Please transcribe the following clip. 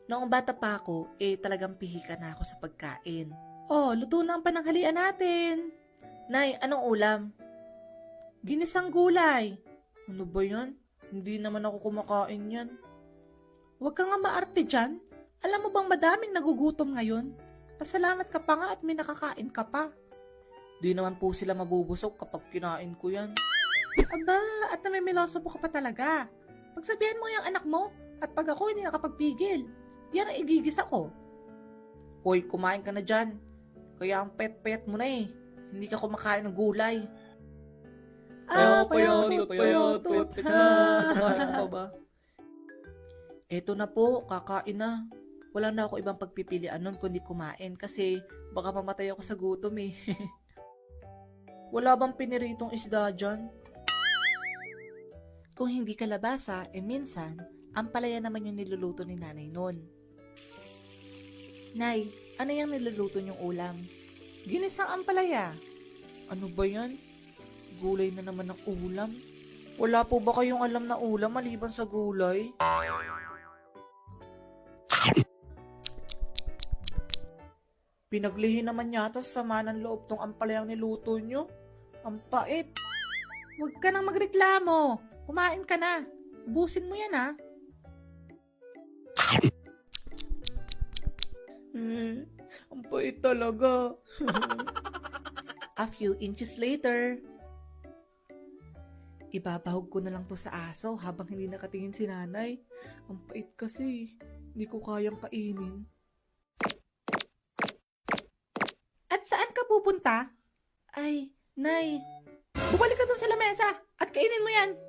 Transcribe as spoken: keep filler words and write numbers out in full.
Noong bata pa ako, eh talagang pihika na ako sa pagkain. Oh, luto na ang pananghalian natin. Nay, anong ulam? Ginisang gulay. Ano ba yan? Hindi naman ako kumakain yan. Huwag ka nga maarte dyan. Alam mo bang madaming nagugutom ngayon? Pasalamat ka pa nga at may nakakain ka pa. Di naman po sila mabubusog kapag kinain ko yan. Aba, at namimiloso po ka pa talaga. Pagsabihan mo yung anak mo, at pag ako hindi nakapagpigil, yan ang igigis ako. Hoy, kumain ka na dyan. Kaya ang pet-pet mo na eh. Hindi ka kumakain ng gulay. Ah, payotot, payotot. Kumain ka ba? Eto na po, kakain na. Wala na ako ibang pagpipilian nun kundi kumain kasi baka mamatay ako sa gutom eh. Wala bang piniritong isda dyan? Kung hindi kalabasa, eh minsan, ang palaya naman yung niluluto ni nanay nun. Nay, ano yung niluluto niyong ulam? Ginisang ampalaya. Ano ba yan? Gulay na naman ng ulam? Wala po ba kayong alam na ulam maliban sa gulay? Pinaglihi naman yata sa sama ng loob tong ampalayang niluto nyo. Ang pait. Huwag ka nang magreklamo. Kumain ka na. Ubusin mo yan ha. Hmm, ang pait talaga. A few inches later. Ibabahog ko na lang to sa aso habang hindi nakatingin si nanay. Ang pait kasi. Hindi ko kayang kainin. At saan ka pupunta? Ay, nay. Bumalik ka dun sa lamesa at kainin mo yan.